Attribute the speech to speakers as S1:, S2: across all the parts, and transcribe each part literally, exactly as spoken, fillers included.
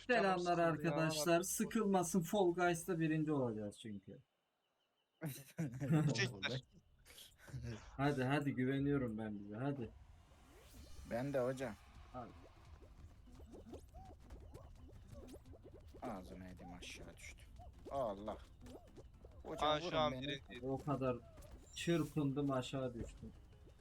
S1: Canım
S2: Selamlar
S1: sıkıldı ya.
S2: arkadaşlar. Sıkılmasın, Fall Guys'ta birinci olacağız çünkü.
S1: Siktir.
S2: Hadi hadi, güveniyorum ben bize, hadi.
S3: Ben de hocam.
S2: Hadi.
S3: Ağzına edim aşağı düştü. Allah. Hocam
S1: Aa şu
S3: vurun
S1: an
S3: beni.
S1: birinci.
S2: O kadar çırpındım, aşağı düştüm.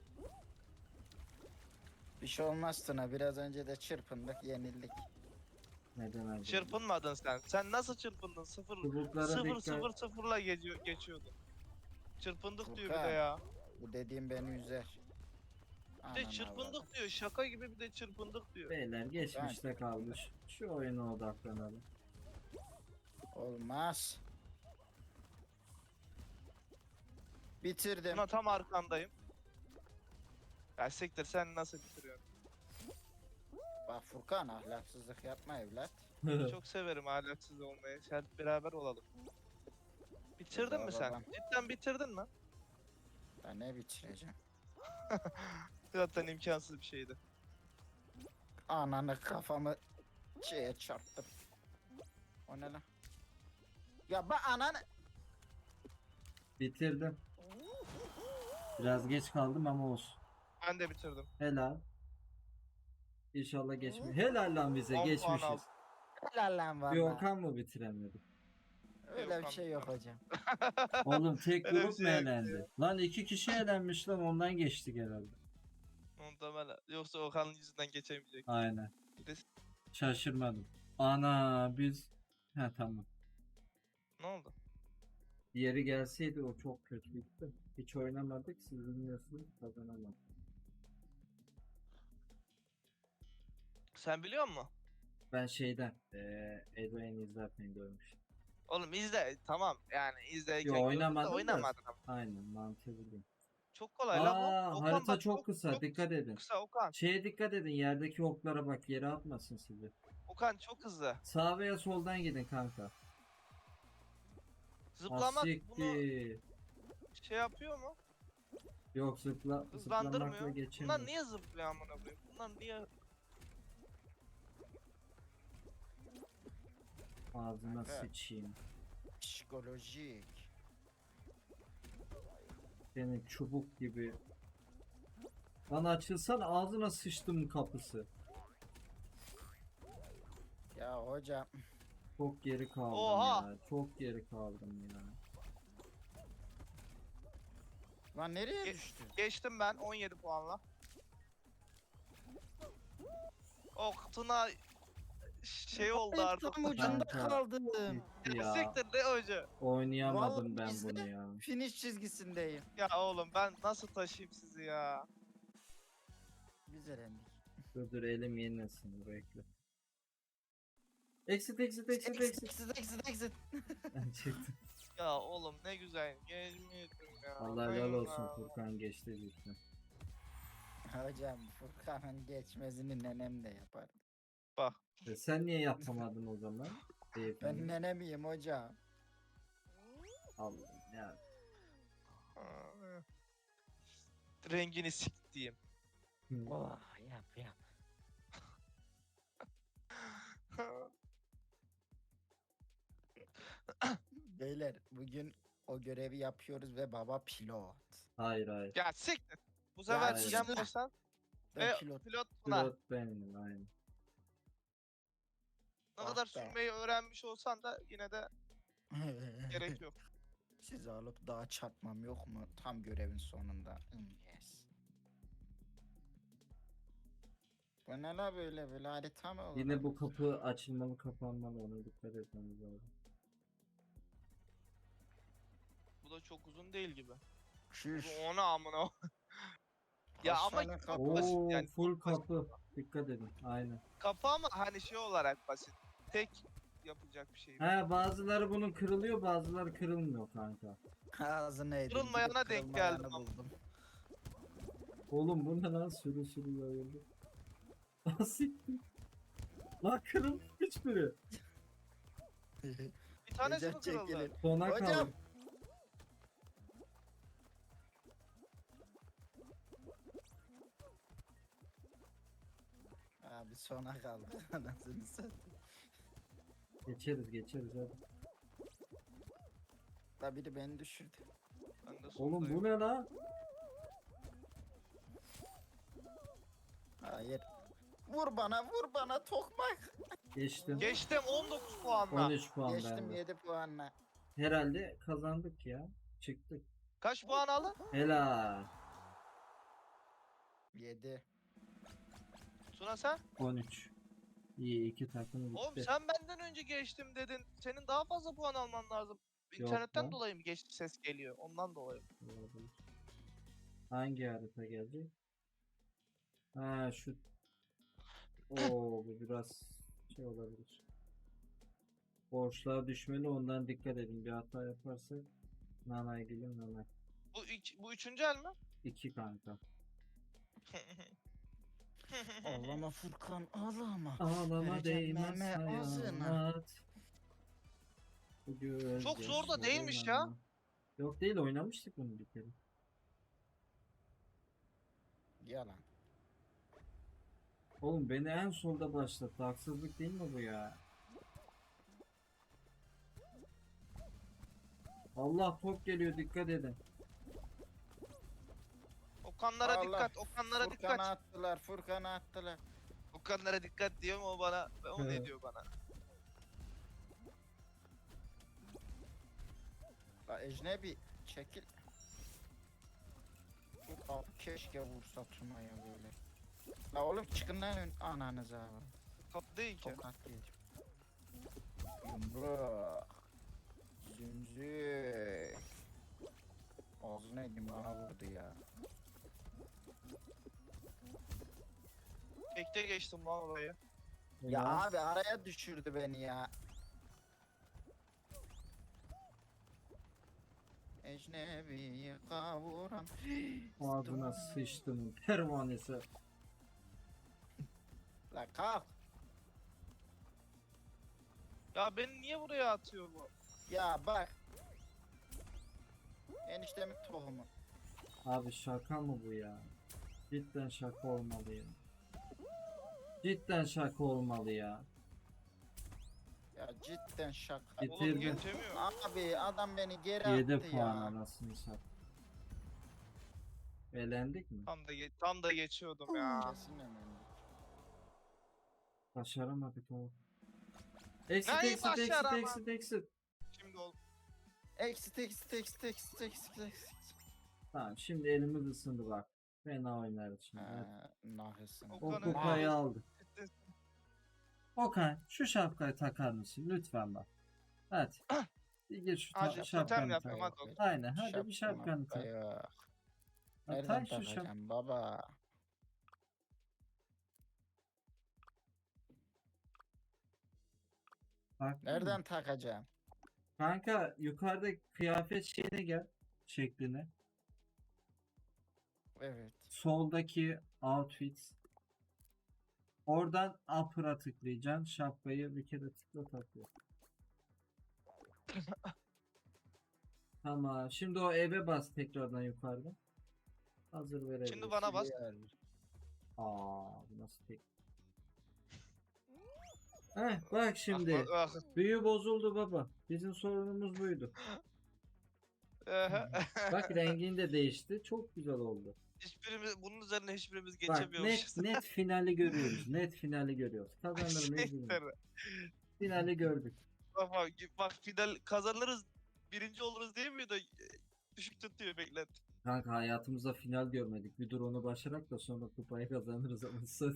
S3: Bir şey olmaz Tuna. Biraz önce de çırpındık, yenildik.
S2: Neden acaba?
S1: Çırpınmadın sen. Sen nasıl çırpındın? Sıfır
S2: Çubuklara
S1: sıfır
S2: dikkat.
S1: sıfır sıfırla geçiyor, geçiyordun. Çırpındık diyor bir de
S3: Furkan.
S1: ya.
S3: Bu dediğim beni üzer.
S1: Bir de
S3: Anam
S1: çırpındık diyor. Şaka gibi bir de çırpındık diyor.
S2: Beyler geçmişte kalmış. Şu oyuna odaklanalım.
S3: avradım. Olmaz. Bitirdim.
S1: Buna tam arkandayım. Ya siktir, sen nasıl bitiriyorsun?
S3: Bak Furkan ahlaksızlık yapma evlat.
S1: Çok severim ahlaksız olmayı. Hadi beraber olalım. Bitirdin
S3: Baba,
S1: mi sen?
S3: babam.
S1: Cidden bitirdin mi?
S3: Ben ne bitireceğim?
S1: Zaten imkansız bir şeydi.
S3: Ananı kafamı şeye çarptım. O ne lan? Ya bak ananı.
S2: Bitirdim. Biraz geç kaldım ama olsun.
S1: Ben de bitirdim.
S2: Helal. İnşallah geçmiş. Helal lan bize,
S1: On puan
S2: geçmişiz.
S1: aldım.
S3: Helal lan
S2: Bir
S3: valla.
S2: Okan mı bitiremedi?
S3: Öyle bir
S1: Yok,
S3: şey yok hocam.
S2: Oğlum tek
S1: Öyle bir
S2: grup mu
S1: şey yok
S2: elendi? Lan iki kişi elenmiş lan, ondan geçtik herhalde.
S1: Muhtemelen. Yoksa Okan'ın yüzünden geçemeyecek.
S2: Aynen.
S1: Bir de-
S2: Şaşırmadım. Ana biz... Ha tamam.
S1: Ne oldu?
S2: Diğeri gelseydi o çok kötü bitti. Hiç oynamadık, siz bilmiyorsunuz, kazanamadık.
S1: Sen biliyor musun?
S2: Ben şeyden eee Edwin izlerken görmüştüm.
S1: Oğlum izle, tamam yani izleyken
S2: Yo,
S1: gördüm de
S2: oynamadım da.
S1: oynamadın ama.
S2: Aynen, mantığı biliyorum.
S1: Çok kolay lan
S2: Aa,
S1: bu. Okan
S2: harita
S1: bak,
S2: çok kısa, dikkat edin.
S1: kısa Okan.
S2: Şeye dikkat edin, yerdeki oklara bak, yere atmasın sizi.
S1: Okan çok hızlı.
S2: Sağ veya soldan gidin kanka.
S1: Zıplamak bunu
S2: Asiktir.
S1: şey yapıyor mu?
S2: Yok, zıpla, zıplamakla
S1: Hızlandırmıyor.
S2: geçemiyor.
S1: Bunlar niye zıplıyor amına koyayım? Bunlar niye?
S2: Ağzına
S3: Kanka.
S2: sıçayım.
S3: Psikolojik.
S2: Senin çubuk gibi. Lan açılsana, ağzına sıçtım kapısı.
S3: Ya hocam.
S2: Çok geri kaldım
S1: Oha!
S2: ya. Çok geri kaldım ya.
S3: Lan nereye
S1: Ge-
S3: düştü?
S1: Geçtim ben on yedi puanla. Oh Tuna şey oldu artık.
S3: Tam ucunda
S2: Kanka.
S3: kaldım.
S2: Gitti ya.
S1: Siktir ne hoca?
S2: Oynayamadım
S3: Vallahi
S2: ben
S3: biz de-
S2: bunu ya.
S3: Finish çizgisindeyim.
S1: Ya oğlum ben nasıl taşıyayım sizi ya?
S3: Biz elendik.
S2: Dur dur, elim yenilesin, bekle. Exit exit exit
S3: Exit
S2: exit.
S3: exit exit exit.
S2: Ben çıktım.
S1: Ya oğlum ne güzel gelmiyordum ya.
S2: Allah helal
S1: Aynen
S2: olsun,
S1: ya.
S2: Furkan geçti cidden.
S3: Hocam Furkan'ın geçmezini nenem de yapar.
S1: Bak.
S2: E sen niye yapamadın o zaman?
S3: Ben
S2: Beyefendi.
S3: nenemiyim hocam.
S2: Allah'ım ya.
S1: Aa, Rengini siktiğim.
S2: Hı.
S3: Oh yap yap. Beyler bugün o görevi yapıyoruz ve baba pilot.
S2: Hayır hayır.
S1: Ya siktir. Bu sefer
S2: hayır.
S1: Cem Boşan
S3: Ben
S1: ve
S3: pilot.
S1: pilot Tuna.
S2: Pilot benim, aynen.
S1: Ne
S3: Ah
S1: kadar
S3: be.
S1: sürmeyi öğrenmiş olsan da yine de gerek yok.
S3: Sizi alıp daha çarpmam yok mu? Tam görevin sonunda. Hmm, yes. Bu ne la böyle böyle harita mı olur?
S2: Yine bu kapı açılmalı kapanmalı, ona dikkat etmemiz lazım.
S1: Bu da çok uzun değil gibi.
S3: Şuş.
S1: Bu ona amına. Ya
S3: Kaç
S1: ama
S3: tane
S1: çok
S3: kapı?
S1: basit
S2: Oo,
S1: yani,
S2: full
S1: çok basit.
S2: kapı. Dikkat edin, aynen.
S1: Kapı ama hani şey olarak basit. Tek yapacak bir şey.
S2: He, bazıları bunun kırılıyor, bazıları kırılmıyor kanka.
S3: Ağzına edin.
S1: Kırılmayana
S3: gidip
S1: denk
S3: kırılmayanı
S1: geldim ama.
S3: buldum.
S2: Oğlum bu ne lan, sürü sürü yayıldı. Lan siktir. Lan kırılmış hiçbiri.
S1: Bir tanesi mi
S3: Recep
S1: kırıldı?
S3: çekilin.
S2: Sona
S3: Hocam.
S2: kaldı.
S3: Abi sona kaldı. Anasını satayım.
S2: Geçeriz geçeriz hadi.
S3: La biri beni düşürdü.
S1: Ben de
S2: Oğlum
S1: sondayım.
S2: bu ne la?
S3: Hayır. Vur bana vur bana tokmak.
S2: Geçtim.
S1: Geçtim on dokuz puanla.
S2: on üç puan
S3: Geçtim
S2: bende.
S3: yedi puanla.
S2: Herhalde kazandık ya. Çıktık.
S1: Kaç puan aldın?
S2: Helal.
S3: yedi.
S1: Tuna sen?
S2: on üç. İyi iki takım
S1: Oğlum
S2: gitti.
S1: sen benden önce geçtim dedin. Senin daha fazla puan alman lazım.
S2: Yok
S1: İnternetten
S2: lan.
S1: dolayı mı geçti ses geliyor? Ondan dolayı.
S2: Olabilir. Hangi harita gelecek? Ha şu. Oo bu biraz şey olabilir. Boşluğa düşmeli ondan dikkat edin. Bir hata yaparsak nanay gelir nanay.
S1: Bu, üç, bu üçüncü el mi?
S2: İki kanka.
S3: Ağlama Furkan ağlama.
S2: Ağlama
S3: Vereceğim
S2: değmez
S3: meme ağzına.
S2: hayat. Bu göz
S1: Çok zor da değilmiş ya.
S2: yaşlarına. Yok değil oynamıştık bunu bir kere.
S3: Yalan.
S2: Oğlum beni en solda başlattı. Haksızlık değil mi bu ya? Allah top geliyor dikkat edin.
S1: Okanlara
S3: Allah,
S1: dikkat, Okanlara
S3: Furkan'a
S1: dikkat.
S3: attılar Furkan'a attılar.
S1: Okanlara dikkat diyor mu o bana? O ne diyor bana?
S3: La ecnebi çekil. Abi keşke vursa Tuna'ya böyle. La oğlum çıkın lan ön ananıza.
S1: Top değil ki.
S3: Tokat değil. Yumruk. Zümzü. Ağzına edeyim bana vurdu ya.
S1: Tekte geçtim lan orayı.
S3: Ya
S2: Helal.
S3: abi araya düşürdü beni ya. Ecnebiyi kavuran.
S2: Ağzına sıçtım. Pervanesi.
S3: La kalk.
S1: Ya beni niye buraya atıyor bu?
S3: Ya bak. Eniştemin tohumu.
S2: Abi şaka mı bu ya? Cidden şaka olmalı ya. Cidden şaka olmalı ya.
S3: Ya cidden şaka.
S2: Bitirdi.
S1: Oğlum geçemiyor.
S3: Abi adam beni geri
S2: yedi
S3: attı
S2: puan
S3: ya.
S2: anasını sat. Elendik mi?
S1: Tam da ge- tam da geçiyordum ya.
S3: Kesin emendik.
S2: Başaramadık oğlum. Exit
S1: Neyi
S2: exit exit
S1: başarama-
S2: exit exit.
S1: Şimdi ol.
S3: Exit exit exit exit exit exit.
S2: Tamam şimdi elimiz ısındı bak. Fena oynarız şimdi. Hadi.
S3: Ha, nahisin.
S2: O
S1: Okan'ın-
S2: kupayı
S1: Aa.
S2: aldık. Okan şu şapkayı takar mısın lütfen bak. Hadi. Bir gir şu ta-
S1: Hadi, totem
S2: şapkanı tak.
S1: yapıyorum, hadi Okan.
S2: Aynen hadi bir şapkanı tak.
S3: Ya.
S2: Ha,
S3: Nereden
S2: tak şu şap.
S3: takacağım baba?
S2: Bak.
S3: Nereden takacağım?
S2: Kanka yukarıda kıyafet şeyine gel. Şekline.
S3: Evet.
S2: Soldaki outfit. Oradan upper'a tıklayacaksın. Şapkayı bir kere tıkla takıyor. Tamam. Şimdi o eve bas tekrardan yukarıda. Hazır verebiliriz.
S1: Şimdi bana bas.
S3: Yer.
S2: Aa, bu nasıl tek? Heh, bak şimdi.
S1: Ah, ah,
S2: Büyü bozuldu baba. Bizim sorunumuz buydu.
S1: ah.
S2: Bak rengin de değişti. Çok güzel oldu.
S1: Hiçbirimiz bunun üzerine hiçbirimiz
S2: Bak net
S1: geçemiyormuşuz.
S2: net finali görüyoruz. Net finali görüyoruz. Kazanır mıyız bilmiyorum. Finali gördük.
S1: Bak, bak, bak final kazanırız, birinci oluruz değil mi de düşük tutuyor beklet.
S2: Kanka hayatımızda final görmedik. Bir dur onu başarak da sonra kupayı kazanırız ama satayım.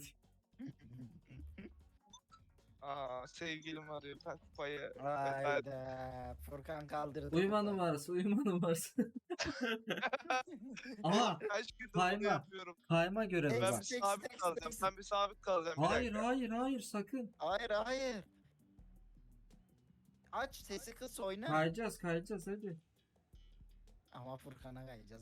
S1: Aa sevgilim arıyor ben kupayı.
S3: Hayda. Furkan kaldırdı.
S2: Uyuma
S3: kupayı.
S2: numarası, uyuma numarası. Aha,
S1: Kaç gündür
S2: Kayma.
S1: bunu yapıyorum.
S2: kayma görevi
S1: Ben
S2: var.
S1: bir
S3: Eksik,
S1: sabit
S3: eksik,
S1: kalacağım.
S3: eksik.
S1: Ben bir sabit kalacağım. bir
S2: Hayır,
S1: dakika.
S2: hayır, hayır, sakın.
S3: Hayır hayır. Aç sesi kıs oyna.
S2: Kayacağız, kayacağız hadi.
S3: Ama Furkan'a kayacağız.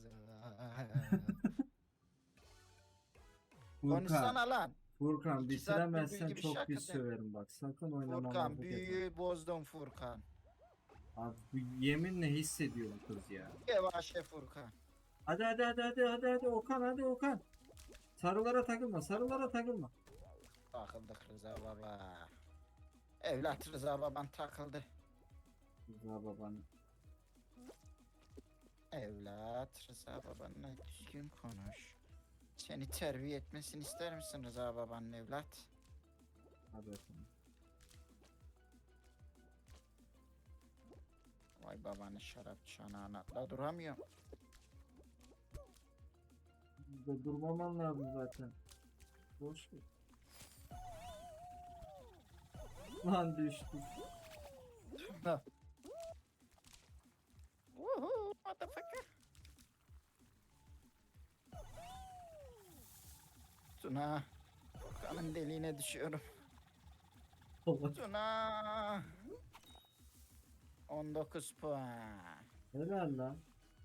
S2: Furkan,
S3: Konuşsana lan.
S2: Furkan
S3: İki saat bir
S2: bitiremezsen
S3: büyü gibi
S2: çok
S3: şaka
S2: pis
S3: de.
S2: söverim bak. Sakın oynamama
S3: Furkan
S2: bu
S3: büyüyü bozdun Furkan.
S2: Abi bu yeminle hissediyorum kız ya.
S3: Yavaş ye Furkan.
S2: Hadi hadi hadi hadi hadi hadi Okan hadi Okan. Sarılara takılma, sarılara takılma.
S3: Takıldık Rıza baba. Evlat Rıza baban takıldı.
S2: Rıza baban.
S3: Evlat Rıza babanla düzgün konuş. Seni terbiye etmesini ister misin Rıza babanın evlat?
S2: Hadi efendim.
S3: Vay babanın şarap çanağına atla duramıyor.
S2: Burada durmaman lazım zaten. Boş ver. Lan düştü.
S3: Woohoo motherfucker. Tuna. Kanın deliğine düşüyorum.
S2: Allah.
S3: Tuna. on dokuz puan.
S2: Helal lan.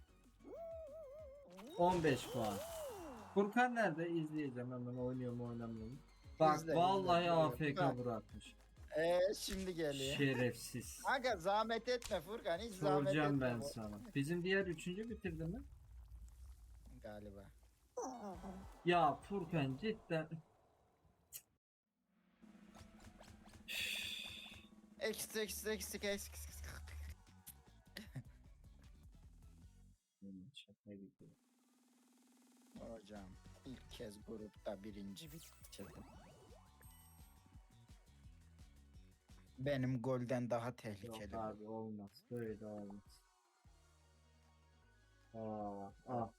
S2: on beş puan. Furkan nerede? İzleyeceğim hemen, oynuyor mu oynamıyor mu? Bak
S3: İzle,
S2: vallahi
S3: izle,
S2: A F
S3: izle.
S2: K
S3: Bak.
S2: bırakmış.
S3: Eee şimdi geliyor.
S2: Şerefsiz.
S3: Aga zahmet etme Furkan, hiç zahmet etme.
S2: Soracağım ben
S3: bu-
S2: sana. Bizim diğer üçüncü bitirdi mi?
S3: Galiba.
S2: Ya Furkan cidden.
S3: Eksik eksik eksik eksik.
S2: Şaka gibi.
S3: Hocam ilk kez grupta birinci bitirdim. Benim golden daha
S2: Yok
S3: tehlikeli. bu.
S2: abi olmaz. Böyle olmaz. Aa, ah.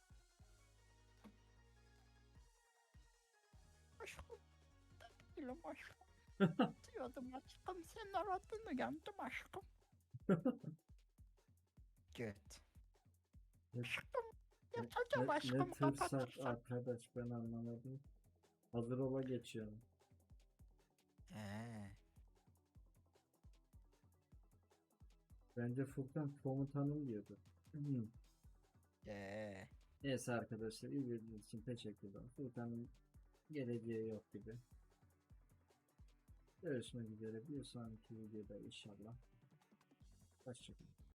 S3: Aşkım. Değilim aşkım. Diyordum aşkım, sen aradın uyandım aşkım. Göt.
S2: Ne-
S3: Aşkım.
S2: Ne,
S3: Yatacağım
S2: ne,
S3: aşkım,
S2: ne tırsak
S3: kapatırsan.
S2: arkadaş, ben anlamadım. Hazır ola geçiyorum.
S3: Eee.
S2: Bence Furkan komutanım diyordu. Hı.
S3: Eee.
S2: Neyse arkadaşlar, izlediğiniz için teşekkürler. Furkan'ın geleceği yok gibi. Görüşmek üzere bir sonraki videoda inşallah. Hoşçakalın.